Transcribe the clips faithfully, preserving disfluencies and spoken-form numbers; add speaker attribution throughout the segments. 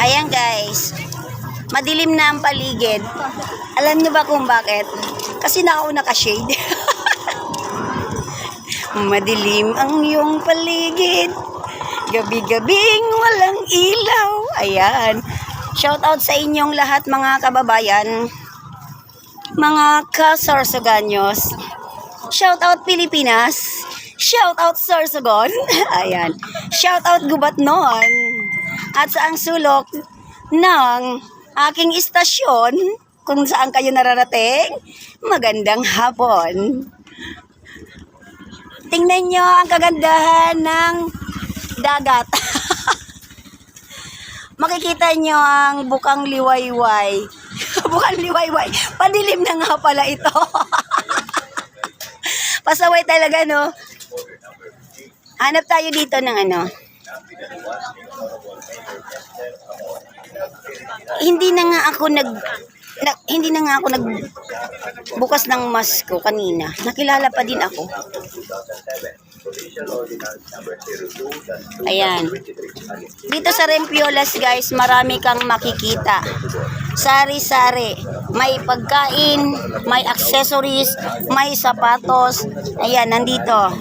Speaker 1: Ayan guys, madilim na ang paligid. Alam niyo ba kung bakit? Kasi nakauna ka shade. Madilim ang iyong paligid, gabi-gabing walang ilaw. Ayan, shout out sa inyong lahat mga kababayan, mga kasorsoganyos. Shout out Pilipinas. Shout out Sorsogon. Ayan. Shout out Gubatnon. At sa ang sulok ng aking istasyon, kung saan kayo nararating, magandang hapon. Tingnan nyo ang kagandahan ng dagat. Makikita nyo ang bukang liwayway. Bukang liwayway. Padilim na nga pala ito. Pasaway talaga, no? Hanap tayo dito ng ano. Hindi na nga ako nag na, hindi na nga ako nag bukas ng mask ko kanina. Nakilala pa din ako. Ayan. Dito sa Rempiolas guys, marami kang makikita. Sari-sari. May pagkain, may accessories, may sapatos. Ayan, nandito.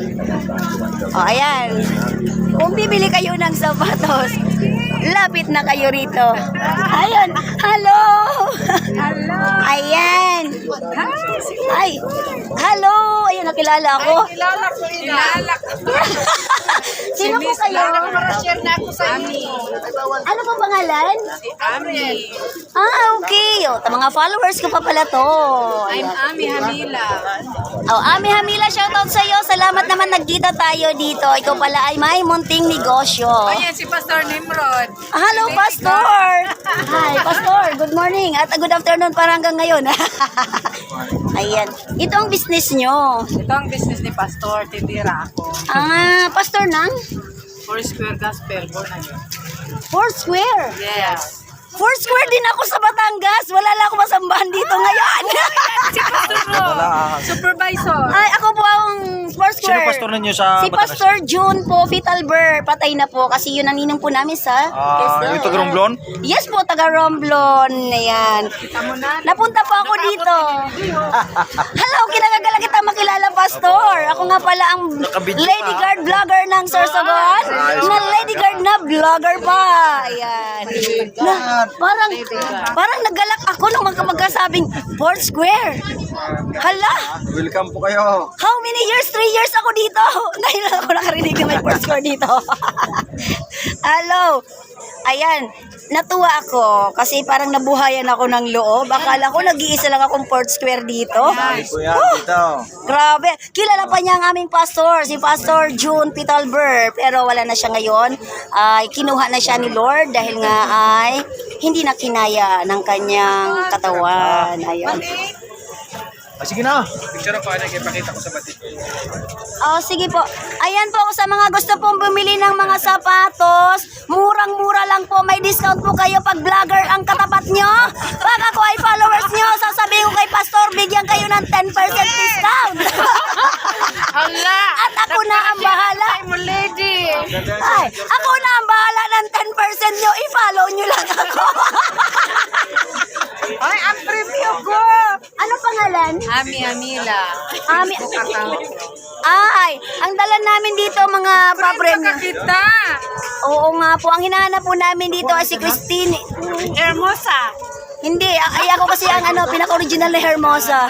Speaker 1: O, ayan. Kung bibili kayo ng sapatos, lapit na kayo rito. Ayun. Hello.
Speaker 2: Hello.
Speaker 1: Ayan. Ay. Hello. Ayun, nakilala ako.
Speaker 2: Kilala ko kilala ko.
Speaker 1: Sino po kayo?
Speaker 2: Share na ako sa inyo.
Speaker 1: Ano po pangalan?
Speaker 2: Si Ami.
Speaker 1: Ah, okay. O, ta- mga followers ko pa pala to.
Speaker 2: I'm
Speaker 1: Ayan.
Speaker 2: Ami Hamila.
Speaker 1: Oh, Ami Hamila, shoutout sa iyo. Salamat naman nagkita tayo dito. Ikaw pala ay may munting negosyo.
Speaker 2: Ayan si Pastor Nimrod.
Speaker 1: Ah, hello, Pastor! Hi, Pastor. Good morning. At uh, good afternoon para hanggang ngayon. Ayan. Ito ang business nyo.
Speaker 2: Ito ang business ni Pastor. Titira ako.
Speaker 1: Ah, Pastor ng
Speaker 2: Four Square Gospel. Born again.
Speaker 1: Four Square.
Speaker 2: Yes.
Speaker 1: Four Square din ako sa Batangas. Wala lang ako masambahan dito ngayon.
Speaker 2: Si Pastor Ro. Supervisor.
Speaker 1: Ay, ako po ang Four
Speaker 3: Sino
Speaker 1: Square.
Speaker 3: pastor ninyo sa
Speaker 1: Si
Speaker 3: Batangas?
Speaker 1: Pastor June po, Fitalber. Patay na po kasi yun ang ninong po namin sa...
Speaker 3: Ah, yung taga Romblon?
Speaker 1: Yes po, taga Romblon. Ayan.
Speaker 2: Kita mo na.
Speaker 1: Napunta po ako dito. Hello, kinagagala kita makilala, Pastor. Ako nga pala ang
Speaker 3: Nakabidyo
Speaker 1: Lady
Speaker 3: ka.
Speaker 1: Guard vlogger ng Sorsogon. Na Lady Guard na vlogger pa. Ayan. Na, parang, parang naggalak ako nung magka- magkasabing Fourth Square. Hala,
Speaker 3: Welcome po kayo.
Speaker 1: how many years? Three years ako dito. Ngayon lang ako nakarinig na may Fourth Square dito. Hello. Ayan, natuwa ako kasi parang nabuhayan ako ng loob. Akala ko nag-iisa lang akong Fourth Square dito.
Speaker 3: Kuya, dito.
Speaker 1: Grabe. Kilala pa niya ang aming pastor, si Pastor June Pitalber. Pero wala na siya ngayon. Ay, kinuha na siya ni Lord dahil nga ay hindi na kinaya ng kanyang katawan. Ayun.
Speaker 3: Ah, sige na. Picture ako, ano, ipakita ko sa batik.
Speaker 1: Oh, sige po. Ayan po, sa mga gusto pong bumili ng mga sapatos, murang-mura lang po. May discount po kayo pag vlogger ang katapat nyo. Pag ako ay followers nyo, sasabihin ko kay Pastor, bigyan kayo ng ten percent discount.
Speaker 2: Hala.
Speaker 1: At ako na ang bahala.
Speaker 2: I'm a lady.
Speaker 1: Ay, ako na ang bahala ng ten percent nyo. I-follow nyo lang ako.
Speaker 2: Ay, ang preview ko.
Speaker 1: Ano pangalan?
Speaker 2: Ami Hamila.
Speaker 1: Ami.
Speaker 2: Account.
Speaker 1: Ay, ang dala namin dito mga papremyo.
Speaker 2: Kita.
Speaker 1: Oo nga po, ang hinahanap po namin dito ay si Christine.
Speaker 2: Hermosa.
Speaker 1: Hindi, ay ako kasi ang ano, pinaka-original na Hermosa.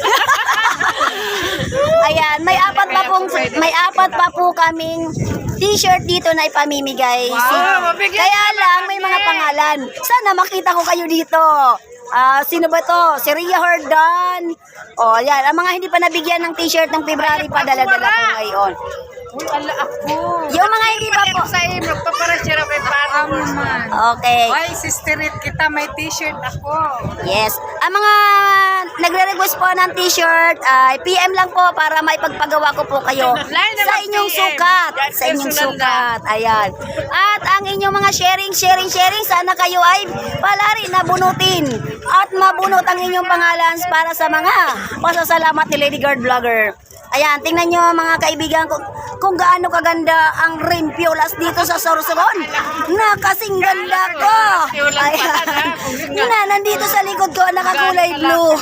Speaker 1: Ayan, may apat pa pong may apat pa po kaming t-shirt dito na ipamimigay.
Speaker 2: Wow, mabigyan
Speaker 1: Kaya
Speaker 2: ka
Speaker 1: lang
Speaker 2: naman
Speaker 1: may
Speaker 2: kami.
Speaker 1: mga pangalan. Sana makita ko kayo dito. Ah, sino ba to? Si Ria Hordan. Oh, yan. Ang mga hindi pa nabigyan ng t-shirt ng February pa, dala-dala ko ngayon.
Speaker 2: Uy, ala ako.
Speaker 1: Yung mga hindi pa po.
Speaker 2: Sa iyo, magpaparasya kay Parang naman.
Speaker 1: Okay.
Speaker 2: Ay, sisterit kita, may t-shirt ako.
Speaker 1: Yes. Ang mga nagre-request po ng t-shirt, ay P M lang po para maipagpagawa ko po kayo
Speaker 2: Line
Speaker 1: sa
Speaker 2: naman
Speaker 1: inyong
Speaker 2: P M.
Speaker 1: sukat.
Speaker 2: Yan,
Speaker 1: Sa inyong
Speaker 2: personal na.
Speaker 1: sukat. Ayan. At ang inyong mga sharing, sharing, sharing, sana kayo ay palari na bunutin. At mabunot ang inyong pangalan para sa mga pasasalamat ni Lady Guard Vlogger. Ayan, tingnan nyo mga kaibigan ko. kung gaano kaganda ang Rimpiolas dito sa Sorsogon. Na kasing ganda ko. Ayan. Na, nandito sa likod ko, nakakulay blue.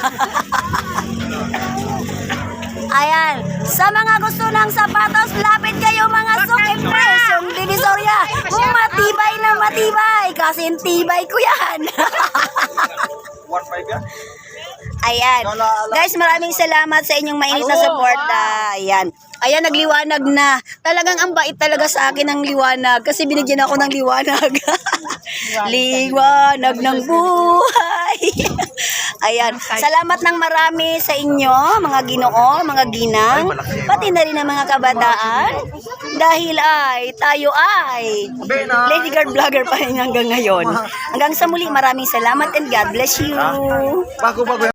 Speaker 1: Ayan. Sa mga gusto ng sapatos, lapit kayo mga sukipres. Yung Divisoria, matibay na matibay. Kasi tibay ko yan.
Speaker 3: one five yan?
Speaker 1: Ayan. Guys, maraming salamat sa inyong mainit na suporta. Ayan. Ayan, nagliwanag na. Talagang ang bait talaga sa akin ng liwanag. Kasi binigyan ako ng liwanag. Liwanag ng buhay. Ayan. Salamat ng marami sa inyo, mga ginoo, mga ginang. Pati na rin ang mga kabataan. Dahil ay, tayo ay Lady Guard Vlogger pa rin hanggang ngayon. Hanggang sa muli, maraming salamat and God bless you.
Speaker 3: Bago-bago